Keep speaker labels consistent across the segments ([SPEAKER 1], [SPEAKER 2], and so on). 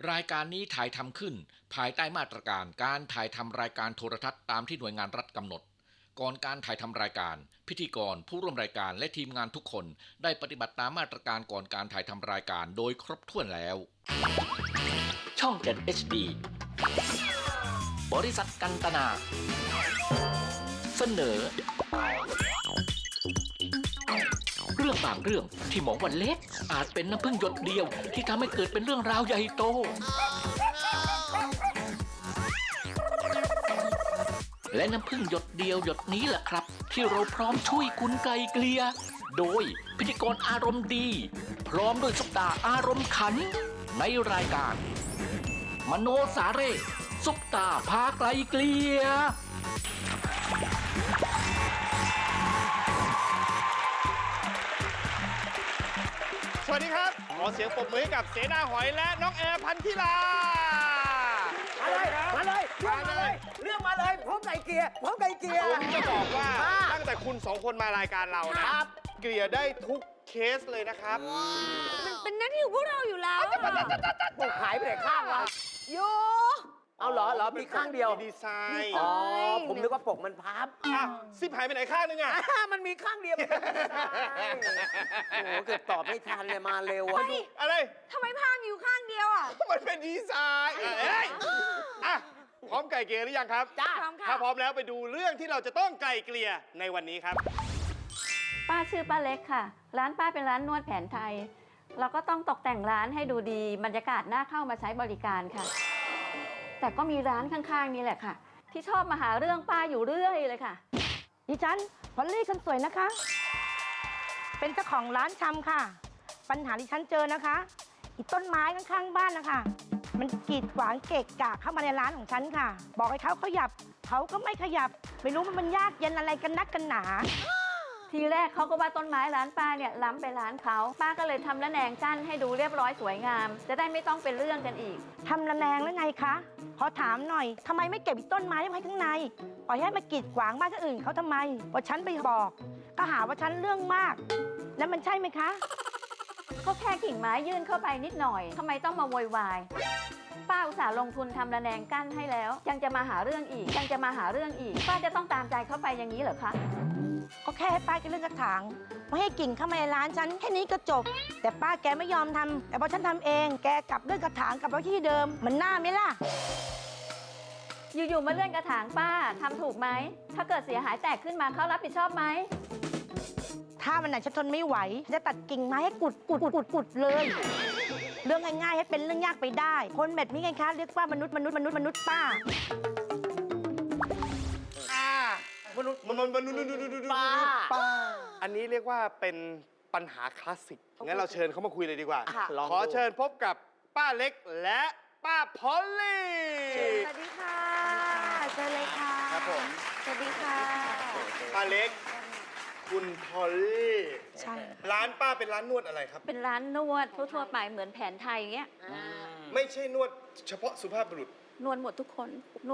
[SPEAKER 1] รายการนี้ถ่ายทำขึ้นภายใต้มาตรการการถ่ายทำรายการโทรทัศน์ตามที่หน่วยงานรัฐกำหนดก่อนการถ่ายทำรายการพิธีกรผู้ร่วมรายการและทีมงานทุกคนได้ปฏิบัติตามมาตรการก่อนการถ่ายทำรายการโดยครบถ้วนแล้วช่อง 7 HD บริษัทกันตนาเสนอเรื่องบางเรื่องที่มองว่าเล็กอาจเป็นน้ำพึ่งหยดเดียวที่ทำให้เกิดเป็นเรื่องราวใหญ่โตและน้ำพึ่งหยดเดียวหยดนี้แหละครับที่เราพร้อมช่วยคุณไกลเกลี่ยโดยพิธีกรอารมณ์ดีพร้อมด้วยซุปตาอารมณ์ขันในรายการมโนสาเร่ซุปตาพาไกลเกลี่ย
[SPEAKER 2] สวัสดีครับขอเสียงปรบมือให้กับเสนาหอยและน้องแอร์พันธิลา
[SPEAKER 3] มาเลยเรื่องมาเลยพร้อมไก่เกลีย
[SPEAKER 2] ผมจะบอกว่าตั้งแต่คุณสองคนมารายการเรานะครับเกลี่ยได้ทุกเคสเลยนะครับ
[SPEAKER 4] มันเป็นหน้าที่ของพวกเราอยู่แล้ว
[SPEAKER 3] ปกหายไปไหนข้างวะ
[SPEAKER 4] อยู่
[SPEAKER 3] เอาเหรอมีข้างเดียว
[SPEAKER 2] ดีไซน์
[SPEAKER 3] อ๋อผมนึกว่าปกมันพับ
[SPEAKER 2] ซิปหายไปไหนข้างนึงอ่ะ
[SPEAKER 3] มันมีข้างเดียวโอ้เกือบตอบไม่ทันเลยมาเร็ว
[SPEAKER 2] อะไร
[SPEAKER 4] ทำไมพางอยู่ข้างเดียวอ่ะ
[SPEAKER 2] มันเป็นดีไซน์พร้อมไก่เกลี่ยหรือยังครับ
[SPEAKER 4] จ้าพร้อมค่ะ
[SPEAKER 2] ถ้าพร้อมแล้วไปดูเรื่องที่เราจะต้องไก่เกลี่ยในวันนี้ครับ
[SPEAKER 5] ป้าชื่อป้าเล็กค่ะร้านป้าเป็นร้านนวดแผนไทยเราก็ต้องตกแต่งร้านให้ดูดีบรรยากาศน่าเข้ามาใช้บริการค่ะแต่ก็มีร้านข้างๆนี่แหละค่ะที่ชอบมาหาเรื่องป้าอยู่เรื่อยเลยค่ะ
[SPEAKER 6] ดิฉันพอลลี่ฉันสวยนะคะเป็นเจ้าของร้านชำค่ะปัญหาที่ฉันเจอนะคะอีต้นไม้ข้างๆบ้านนะคะมันกีดขวางเกะกะเข้ามาในร้านของฉันค่ะบอกให้เขาขยับเขาก็ไม่ขยับไม่รู้มันยากเย็นอะไรกันนักกันหนา
[SPEAKER 5] ทีแรกเขาก็ว่าต้นไม้ร้านป้าเนี่ยล้ำไปร้านเขาป้าก็เลยทำระแนงกั้นให้ดูเรียบร้อยสวยงามจะได้ไม่ต้องเป็นเรื่องกันอีก
[SPEAKER 6] ทำระแนงแล้วไงคะขอถามหน่อยทำไมไม่เก็บต้นไม้ไว้ข้างในปล่อยให้มากีดขวางบ้านคนอื่นเขาทำไมพอฉันไปบอกก็หาว่าฉันเรื่องมากแล้วมันใช่ไหมคะ
[SPEAKER 5] ก็แค่กิ่งไม้ยื่นเข้าไปนิดหน่อยทำไมต้องมาโวยวายป้าอุตส่าห์ลงทุนทำระแนงกั้นให้แล้วยังจะมาหาเรื่องอีกป้าจะต้องตามใจเข้าไปอย่างนี้เหรอคะ
[SPEAKER 6] ก็แค่ให้ป้าแกเลื่อนกระถางไม่ให้กิ่งเข้ามาในร้านฉันแค่นี้ก็จบแต่ป้าแกไม่ยอมทำแต่พอฉันทำเองแกกลับเลื่อนกระถางกลับไปที่เดิมมันน่าไหมล่ะ
[SPEAKER 5] อยู่ๆมาเลื่อนกระถางป้าทำถูกไหมถ้าเกิดเสียหายแตกขึ้นมาเขารับผิดชอบไหม
[SPEAKER 6] ถ้ามันไหนฉันทนไม่ไหวจะตัดกิ่งไม้ให้กุดเลยเรื่องง่ายๆให้เป็นเรื่องยากไปได้คนแบบนี้ไงคะเรียกว่ามนุษย์ป้ามนุษย์
[SPEAKER 2] ป้าอันนี้เรียกว่าเป็นปัญหาคลาสสิกงั้นเราเชิญเขามาคุยเลยดีกว่าขอเชิญพบกับป้าเล็กและป้าพอลลี่
[SPEAKER 4] สวัสดีค่ะเจอเลยค่ะ
[SPEAKER 2] ครับผม
[SPEAKER 4] สวัสดีค่ะ
[SPEAKER 2] ป้าเล็กคุณพอลลี่
[SPEAKER 5] ใช่
[SPEAKER 2] ร้านป้าเป็นร้านนวดอะไรครับ
[SPEAKER 5] เป็นร้านนวดทั่วๆไปเหมือนแผนไทยอย่างเงี้ย
[SPEAKER 2] ไม่ใช่นวดเฉพาะสุภาพบุรุษ
[SPEAKER 5] นวดหมดทุกคน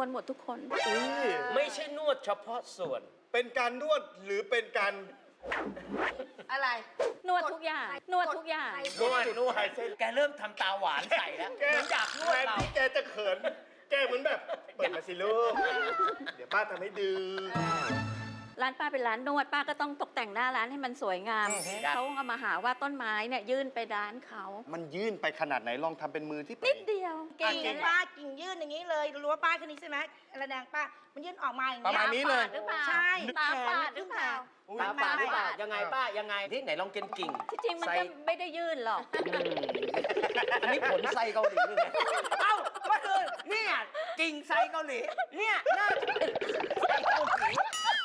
[SPEAKER 3] ไม่ใช่นวดเฉพาะส่วน
[SPEAKER 2] เป็นการนวดหรือเป็นการ
[SPEAKER 4] อะไร
[SPEAKER 5] นวดทุกอย่าง
[SPEAKER 3] นวดแกเริ่มทำตาหวานใส่แล้วเหมือนอยากนวดเรา
[SPEAKER 2] แกจะเขินแกเหมือนแบบเปิดมาสิลูกเดี๋ยวป้าทำให้ดู
[SPEAKER 5] ร้านป้าเป็นร้านนวดป้าก็ต้องตกแต่งหน้าร้านให้มันสวยงามเขาก็มาหาว่าต้นไม้เนี่ยยื่นไปร้านเขา
[SPEAKER 2] มันยื่นไปขนาดไหนลองทำเป็นมือที่
[SPEAKER 5] นิดเดียว
[SPEAKER 6] กิ่งป้ากิ่งยื่นอย่างนี้เลยรู้ว่าป้าคนนี้ใช่ไหมระแนงป้ามันยื่นออกมาอย่างนี้
[SPEAKER 2] ประมาณนี้เลย
[SPEAKER 6] ใช่
[SPEAKER 5] ตาฝาดหรือเปล่า
[SPEAKER 3] ตาฝาดหรือเปล่ายังไงป้ายังไงที่ไหนลองกินกิ่ง
[SPEAKER 5] ที่จริงมันก็ไม่ได้ยื่นหรอก
[SPEAKER 3] อันนี้ผลไซเกาหลีเลยเอ้าก็คือเนี่ยกิ่งไซเกาหลีเนี่ยน่าจะเป็นไซเกาหลี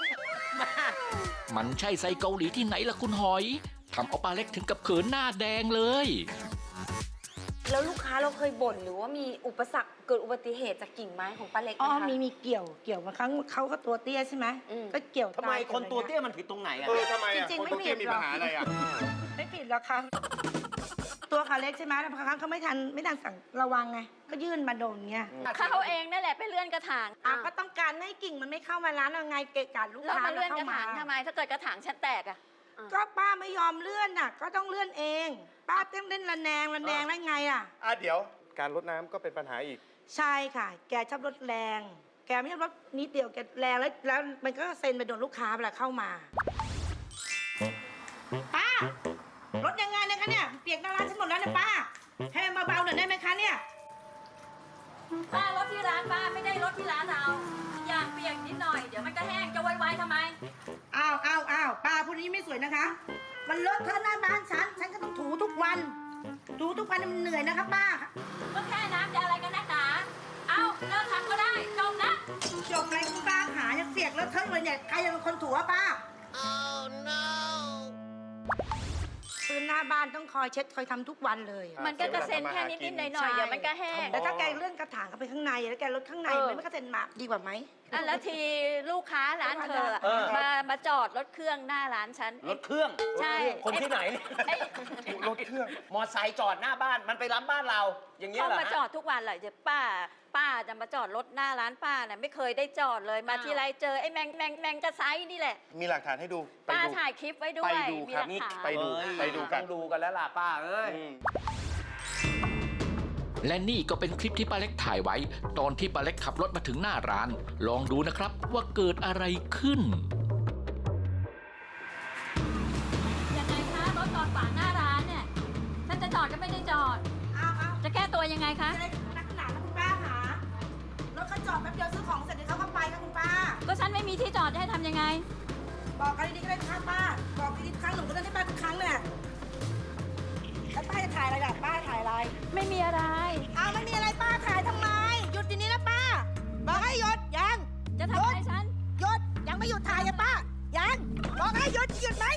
[SPEAKER 1] มันใช่ไส้เกาหลีที่ไหนล่ะคุณหอยทำเอาป้าเล็กถึงกับเขินหน้าแดงเลย
[SPEAKER 4] แล้วลูกค้าเราเคยบ่นหรือว่ามีอุปสรรคเกิดอุบัติเหตุจากกิ่งไม้ของป้าเล็กไหมคะ
[SPEAKER 6] มีเกี่ยวบางครั้งเขาก็ตัวเตี้ยใช่ไหมก็เกี่ยว
[SPEAKER 3] ทำไมคนตัวเตี้ยมันผิดตรงไหนอ่ะ
[SPEAKER 2] ทำไมคนตัวเตี้ยมีปัญหาอะไรอ่ะ
[SPEAKER 6] ไม่ผิดหรอกค่ะตัวขาเล็กใช่ไหมบางครั้งเขาไม่ทันสั่งระวังไงก็ยื่นมาโดนเงี้ย
[SPEAKER 5] เขาเองนั่นแหละไปเลื่อนกระถาง
[SPEAKER 6] ก็ต้องการให้กิ่งมันไม่เข้ามาร้านเอาไงเกะกะลูกค้า
[SPEAKER 5] แล้วมาเลื่อนกระถางทำไมถ้าเกิดกระถางฉันแตกอ่ะ
[SPEAKER 6] ก็ป้าไม่ยอมเลื่อนน่ะก็ต้องเลื่อนเองป้าต้องเล่นระแนงได้ไงอ่ะ
[SPEAKER 2] เดี๋ยวการรดน้ำก็เป็นปัญหาอีก
[SPEAKER 6] ใช่ค่ะ แกชอบรถแรง แกไม่ชอบรถนิดเดียวแกแรงแล้วมันก็เซ็นไปโดนลูกค้าเวลาเข้ามาป้ารถยังไงนะคะเนี่ยเปียกหน้าร้านฉันหมดแล้วเนี่ยป้าให้มันเบาๆหน่อยได้ไหมคะเนี่ย
[SPEAKER 5] ป้ารถที่ร้านป้าไม่ได้รถที่ร้านเราอย่างเปียกนิดหน่อยเดี๋ยวมันก็แห้งจะไวๆทำไม
[SPEAKER 6] อ้าวป้าพูดนี้ไม่สวยนะคะ มันเลอะเทอะหน้าบ้านฉันก็ต้องถูทุกวันมันเหนื่อยนะคะป้า
[SPEAKER 5] ก็แค่น้ำจะอะไรกันนักหนาเอาเลิกทำก็ได้จบนะ
[SPEAKER 6] จบอะไรคุณป้าหายังเปียกเลอะเทอะเลยเนี่ยใครจะเป็นคนถูอะป้า พื้นหน้าบ้านต้องคอยเช็ดคอยทำทุกวันเลย
[SPEAKER 5] มันก็กระเซ็นแค่นิดๆหน่อยๆเดี๋ยวมันก็แห้ง
[SPEAKER 6] แต่ถ้าแกเลื่อนกระถางเข้าไปข้างในแล้วแกลดข้างในมันไม่กระเซ็นมาดีกว่าไหม
[SPEAKER 5] อ่ะแล้วทีลูกค้าร้านเธออะมาจอดรถเครื่องหน้าร้านฉัน
[SPEAKER 3] รถเครื่อง
[SPEAKER 5] ใช่
[SPEAKER 3] คนที่ไหน
[SPEAKER 5] ไอ้
[SPEAKER 2] รถเครื่อง
[SPEAKER 3] มอไซค์จอดหน้าบ้านมันไปรับบ้านเรา อย่างเงี้ย
[SPEAKER 5] เขา
[SPEAKER 3] เหรอ
[SPEAKER 5] มา
[SPEAKER 3] ฮะ
[SPEAKER 5] จอดทุกวันเลยจะป้าจะมาจอดรถหน้าร้านป้าน่ะไม่เคยได้จอดเลยมาทีไรเจอไอ้แมงกระไซนี่แหละ
[SPEAKER 2] มีหลักฐานให้ดู ไป
[SPEAKER 5] ป้า
[SPEAKER 2] ดู
[SPEAKER 5] ถ่ายคลิปไว้ด้วย
[SPEAKER 2] ไปดู
[SPEAKER 5] มี
[SPEAKER 2] ค
[SPEAKER 5] ห
[SPEAKER 2] รับ
[SPEAKER 5] ลักฐาน
[SPEAKER 2] ไปดู
[SPEAKER 3] เอ้ย
[SPEAKER 2] ไปดูกัน
[SPEAKER 3] ต้องดูกันแล้วล่ะป้าเอ้ย
[SPEAKER 2] อืม
[SPEAKER 1] และนี่ก็เป็นคลิปที่ป้าเล็กถ่ายไว้ ตอนที่ป้าเล็กขับรถมาถึงหน้าร้าน ลองดูนะครับว่าเกิดอะไรขึ้น
[SPEAKER 5] ยังไงคะรถจอดขวางหน้าร้านเนี่ยฉันจะจอดก็ไม่ได้จอด
[SPEAKER 6] เอา
[SPEAKER 5] จะแก้ตัวยังไงคะ
[SPEAKER 6] จะได้นักหนาแล้วคุณป้าหารถเขาจอดแป๊บเดียวซื้อของเสร็จเดี๋ยวเขาก็ไปค่ะคุณป้า
[SPEAKER 5] ก็ฉันไม่มีที่จอดจะให้ทำยังไง
[SPEAKER 6] บอกกันดีๆก็ได้ค่ะป้า บอกดีๆทุกครั้งหนูก็เล่นให้ป้าทุกครั้งเนี่ยแล้วป้าจะถ่ายอะไรล่ะป้าถ่ายอะไร
[SPEAKER 5] ไม่มีอะไร
[SPEAKER 6] อ้าวไม่มีอะไรป้าถ่ายทำไม หยุดทีนี้นะป้า บอกให้หยุดยัง
[SPEAKER 5] จะทำอะไรฉัน
[SPEAKER 6] หยุดยังไม่หยุดถ่ายอะป้ายังบอกให้หยุดหยุดไหม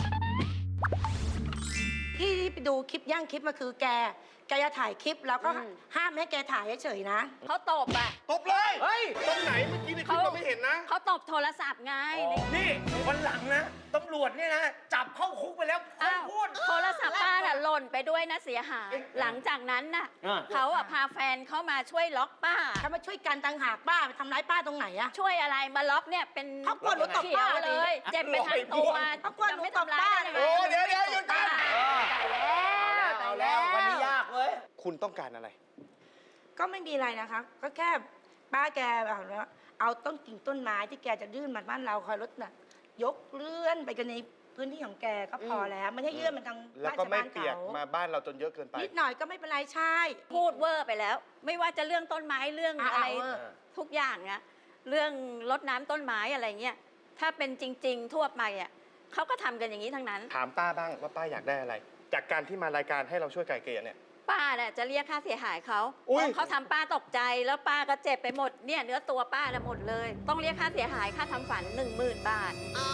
[SPEAKER 6] ที่ไปดูคลิปย่างคลิปมาคือแกจะถ่ายคลิปแล้วก็ห้ามให้แกถ่ายเฉยๆนะ
[SPEAKER 5] เขาตบอ่ะ
[SPEAKER 2] ตบเลย
[SPEAKER 3] เฮ้ย
[SPEAKER 2] ตรงไหนเมื่อกี้ในคลิปเราไม่เห็นนะ
[SPEAKER 5] เขาตบโทรศัพท์ไง
[SPEAKER 3] นี่วันหลังนะตำรวจเนี่ยนะ จับเข้าคุกไปแล้วคน
[SPEAKER 5] อ้าว
[SPEAKER 3] พูด
[SPEAKER 5] โทรศัพท์ป้าน่ะหล่นไปด้วยนะเสียหาย หลังจากนั้นน่ะ
[SPEAKER 3] อ่า
[SPEAKER 5] เขาอ่ะพาแฟนเขามาช่วยล็อกป้า
[SPEAKER 6] ถ้ามาช่วยกันต่างหากป้าไปทำร้ายป้าตรงไหนอะ
[SPEAKER 5] ช่วยอะไรมาล็อกเนี่ยเป็น
[SPEAKER 6] เขากลัวหนูตบ
[SPEAKER 5] เขีย
[SPEAKER 6] ป้าว
[SPEAKER 5] เลย เจ็บไปทั้งตัว
[SPEAKER 6] เขากลัวหนู
[SPEAKER 5] จะไม่
[SPEAKER 6] ตบ
[SPEAKER 5] ทำร้าย
[SPEAKER 6] ป้า
[SPEAKER 5] ได้
[SPEAKER 2] โอ้
[SPEAKER 5] ยังไง
[SPEAKER 2] เดี๋ยวหยุดกัน
[SPEAKER 3] เอาแล้ววันนี้ยากเว้ย
[SPEAKER 2] คุณต้องการอะไร
[SPEAKER 6] ก็ไม่มีอะไรนะคะ ก็แค่ป้าแกแบบว่าเอาต้นกิ่งต้นไม้ที่แกจะยื่นมาบ้านเราคอยรถน่ะยกเลื่อนไปกันในพื้นที่ของแกก็พอแล้วไม่ใช่ยื่นมันทาง
[SPEAKER 2] แล้ว
[SPEAKER 6] บ้าน
[SPEAKER 2] ก็
[SPEAKER 6] ชาว
[SPEAKER 2] ไม่
[SPEAKER 6] บ้าน
[SPEAKER 2] เปียก
[SPEAKER 6] เขา
[SPEAKER 2] มาบ้านเราจนเยอะเกินไป
[SPEAKER 6] นิดหน่อยก็ไม่เป็นไรใช่
[SPEAKER 5] พูดเวอร์ไปแล้ว ไม่ว่าจะเรื่องต้นไม้เรื่องอะไร
[SPEAKER 6] เวอร์
[SPEAKER 5] ทุกอย่างนะเรื่องรดน้ำต้นไม้อะไรเงี้ยถ้าเป็นจริง ๆ ทั่วไปอ่ะเขาก็ทำกันอย่างนี้ทั้งนั้น
[SPEAKER 2] ถามป้าบ้างว่าป้าอยากได้อะไร จากการที่มารายการให้เราช่วยไกลเกลี่ยเนี่ย
[SPEAKER 5] ป้าเนี่ยจะเรียกค่าเสียหายเขา
[SPEAKER 2] อุ๊ย
[SPEAKER 5] เพราะเขาทำป้าตกใจแล้วป้าก็เจ็บไปหมดเนี่ยเนื้อตัวป้าน่ะหมดเลย ต้องเรียกค่าเสียหายค่าทำฝัน 10,000 บาท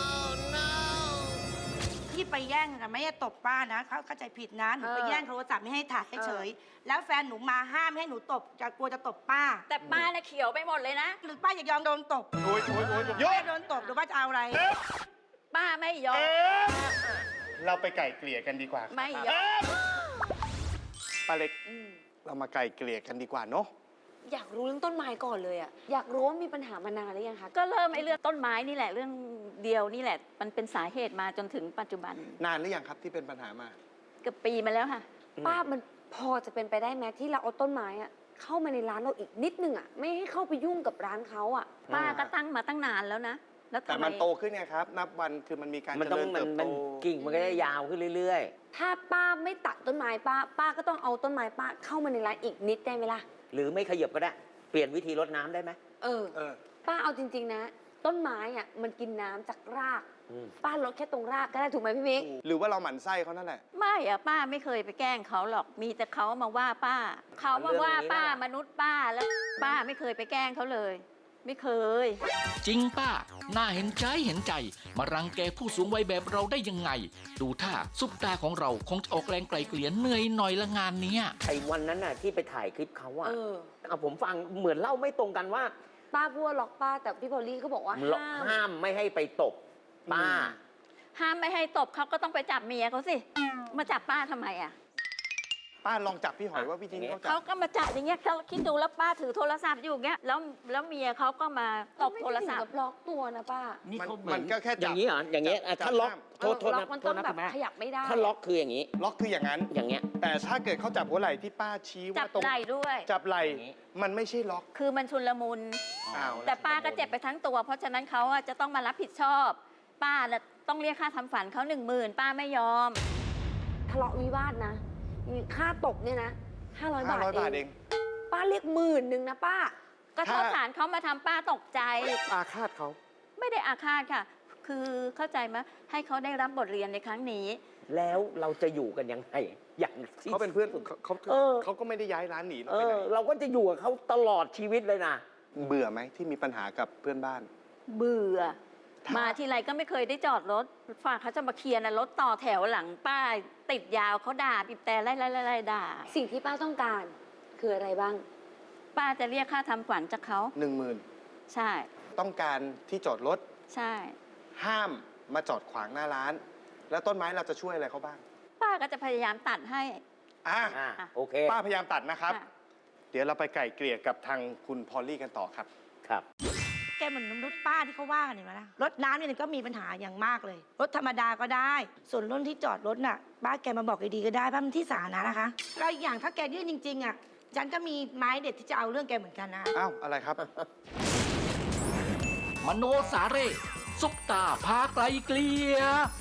[SPEAKER 6] ที่ไปแย่งนะไม่ได้ตบป้านะเขาเข้าใจผิดนะหนูไปแย่งโทรศัพท์ไม่ให้ถ่ายเฉยๆแล้วแฟนหนูมาห้ามไม่ให้หนูตบจะกลัวจะตบป้า
[SPEAKER 5] แต่ป้าน่ะเขียวไปหมดเลยนะ
[SPEAKER 6] หรือป้าอยากยอมโดนตบ
[SPEAKER 2] โอ้ยหยุ
[SPEAKER 6] ป้า
[SPEAKER 2] ด
[SPEAKER 6] โดนตบหรือว่าจะเอาอะไร
[SPEAKER 5] ป้าไม่ยอม
[SPEAKER 2] เราไปไก่เกลี่ยกันดีกว่า
[SPEAKER 5] ไม่ยอม
[SPEAKER 2] ป้าเล็ก เรามาไก่เกลี่ยกันดีกว่าเนาะ
[SPEAKER 4] อยากรู้เรื่องต้นไม้ก่อนเลยอะอยากรู้ว่ามีปัญหามานานหรือยังคะ
[SPEAKER 5] ก็เริ่มไอ้เรื่องต้นไม้นี่แหละเรื่องเดียวนี่แหละ มันเป็นสาเหตุมาจนถึงปัจจุบัน
[SPEAKER 2] นานหรือยังครับที่เป็นปัญหามา
[SPEAKER 5] เกือบปีมาแล้วค่ะ
[SPEAKER 4] ป้ามันพอจะเป็นไปได้ไหมที่เราเอาต้นไม้อะเข้ามาในร้านเราอีกนิดนึงอะไม่ให้เข้าไปยุ่งกับร้านเขาอะ
[SPEAKER 5] ป้าก็ตั้งมาตั้งนานแล้วนะ แล้ว
[SPEAKER 2] แต่
[SPEAKER 5] ทำไม
[SPEAKER 2] มันโตขึ้นไงครับ นับวันคือมันมีการ
[SPEAKER 3] มัน
[SPEAKER 2] เจ
[SPEAKER 3] ต้อง
[SPEAKER 2] ริญ
[SPEAKER 3] มั
[SPEAKER 2] เติ
[SPEAKER 3] น
[SPEAKER 2] บ
[SPEAKER 3] มั
[SPEAKER 2] โต
[SPEAKER 3] นกิ่งมันก็จะยาวขึ้นเรื่อย
[SPEAKER 4] ถ้าป้าไม่ตัดต้นไม้ป้าก็ต้องเอาต้นไม้ป้าเข้ามาในร้านอีกนิดได้ไหมล่ะ
[SPEAKER 3] ๆ หรือไม่ขยับก็ได้ เปลี่ยนวิธีรดน้ำได้ไหม
[SPEAKER 4] เออ
[SPEAKER 2] เออ
[SPEAKER 4] ป้าเอาจริง ๆ นะ ต้นไม้อะมันกินน้ำจากราก
[SPEAKER 3] อืม
[SPEAKER 4] ป้าลดแค่ตรงรากก็ได้ถูกไหมพี่มิก
[SPEAKER 2] หรือว่าเราหมั่นไส้เขานั่นแหละ
[SPEAKER 5] ไม่อะป้าไม่เคยไปแกล้งเขาหรอก มีแต่เขามาว่าป้า เขามาว่าป้ามนุษย์ป้าแล้วป้าไม่เคยไปแกล้งเขาเลย ไม่เคย
[SPEAKER 1] จริงป้า น่าเห็นใจ มารังแกผู้สูงวัยแบบเราได้ยังไง ดูท่าซุปตาของเราคงจะออกแรงไกลเกลี่ยเหนื่อยหน่อยละงานเนี้ย
[SPEAKER 3] ไอ้วันนั้นน่ะที่ไปถ่ายคลิปเขาอะ
[SPEAKER 4] เออ
[SPEAKER 3] เอาผมฟังเหมือนเล่าไม่ตรงกันว่า
[SPEAKER 4] ป้าพูดว่าล็อกป้าแต่พี่พอลลี่ก็บอกว่าห้าม
[SPEAKER 3] ห้ามไม่ให้ไปตบป้า
[SPEAKER 5] ห้ามไม่ให้ตบเขาก็ต้องไปจับเมียเขาสิ มาจับป้าทำไมอะ
[SPEAKER 2] ป้าลองจับพี่หอยว่าวิธีนี้เขาจั
[SPEAKER 5] เขา
[SPEAKER 2] บ
[SPEAKER 5] ก็มาจับอย่างเงี้ยเขาคิดดูแล้วป้าถือโทรศัพท์อยู่อย่างเงี้ยแล้วเมียเขาก็มาตบโทรศัพ
[SPEAKER 4] ไม่
[SPEAKER 5] ท์
[SPEAKER 4] ถึงกับล็อกตัวนะป้า
[SPEAKER 3] นี่เขา
[SPEAKER 2] มันก็แค่จับ
[SPEAKER 3] อย่างนี้เหรออย่างเงี้ยอ่ะ
[SPEAKER 2] จับ
[SPEAKER 3] ถ้าล็อก
[SPEAKER 2] ห้าม
[SPEAKER 3] โทษ
[SPEAKER 4] ล็อ
[SPEAKER 3] นะ
[SPEAKER 4] กมัน
[SPEAKER 3] โท
[SPEAKER 4] ต้อ
[SPEAKER 3] ษ
[SPEAKER 4] ง
[SPEAKER 3] นะ
[SPEAKER 4] แบ
[SPEAKER 3] คุ
[SPEAKER 4] บ
[SPEAKER 3] ณแม่
[SPEAKER 4] ขยับไม่ได้
[SPEAKER 3] ถ้าล็อกคืออย่างนี้
[SPEAKER 2] ล็อกคืออย่างนั้น
[SPEAKER 3] อย่างเงี้ย
[SPEAKER 2] แต่ถ้าเกิดเขาจับหัวไหล่ที่ป้าชี้
[SPEAKER 5] จั
[SPEAKER 2] ว่า
[SPEAKER 5] บ
[SPEAKER 2] ตรง
[SPEAKER 5] ไหล่ด้วย
[SPEAKER 2] จับไหล่
[SPEAKER 3] อย่างนี้
[SPEAKER 2] มันไม่ใช่ล็อก
[SPEAKER 5] คือมันชุลมุน
[SPEAKER 2] อ้าว
[SPEAKER 5] แต่ป้าก็เจ็บไปทั้งตัว เพราะฉะนั้นเขาอะจะต้องมารับผิดชอบ ป้าน่ะต้องเรียกค่าทำฝันเขา10,000ป้าไม่ยอม
[SPEAKER 4] ทะเลาะวิวาทนะค่าตกเนี่ยนะ500 บาท
[SPEAKER 2] 500 บาทเอง
[SPEAKER 4] ป้าเรียก10,000นะป้า
[SPEAKER 5] ก็โทษฐานเขามาทำป้าตกใจ
[SPEAKER 2] อาฆาตเขา
[SPEAKER 5] ไม่ได้อาฆาตค่ะ คือเข้าใจไหมให้เขาได้รับบทเรียนในครั้งนี้
[SPEAKER 3] แล้วเราจะอยู่กันยังไงอย่างที่
[SPEAKER 2] เขาเป็นเพื่อนเขา
[SPEAKER 3] เออ
[SPEAKER 2] เขาก็ไม่ได้ย้ายร้านหนีเรา
[SPEAKER 3] เอ
[SPEAKER 2] ไปไหน
[SPEAKER 3] อ เราก็จะอยู่กับเขาตลอดชีวิตเลยนะ
[SPEAKER 2] เบื่อไหมที่มีปัญหากับเพื่อนบ้าน
[SPEAKER 5] เบื่อ
[SPEAKER 2] ถ้าม
[SPEAKER 5] มาทีไรก็ไม่เคยได้จอดรถฝากเขาจะมาเคลียร์นะรถต่อแถวหลังป้าติดยาวเขาด่าบีบแต่ไล่ด่า
[SPEAKER 4] สิ่งที่ป้าต้องการคืออะไรบ้าง
[SPEAKER 5] ป้าจะเรียกค่าทำขวัญจากเขา
[SPEAKER 2] 10,000
[SPEAKER 5] ใช่
[SPEAKER 2] ต้องการที่จอดรถ
[SPEAKER 5] ใช่
[SPEAKER 2] ห้ามมาจอดขวางหน้าร้าน แล้วต้นไม้เราจะช่วยอะไรเขาบ้าง
[SPEAKER 5] ป้าก็จะพยายามตัดให้
[SPEAKER 2] อ่ะ
[SPEAKER 3] อ่ะโอเค
[SPEAKER 2] ป้าพยายามตัดนะครับ
[SPEAKER 5] ค่ะ
[SPEAKER 2] เดี๋ยวเราไปไก่เกลี่ยกับทางคุณพอลลี่กันต่อครับ
[SPEAKER 3] ครับ
[SPEAKER 6] แกเหมือนรถป้าที่เขาว่ากันเห็นไหมล่ะรถน้ำเนี่ยก็มีปัญหาอย่างมากเลย รถธรรมดาก็ได้ ส่วนรถที่จอดรถน่ะป้าแกมาบอกดีๆก็ได้เพราะมันที่สาธารณะนะคะแล้วอีกอย่างถ้าแกยื่นจริงๆอ่ะฉันก็มีไม้เด็ดที่จะเอาเรื่องแกเหมือนกันนะ
[SPEAKER 2] อ้าว อะไรครับ
[SPEAKER 1] มโนสาเร่ซุปตาพาไกลเกลีย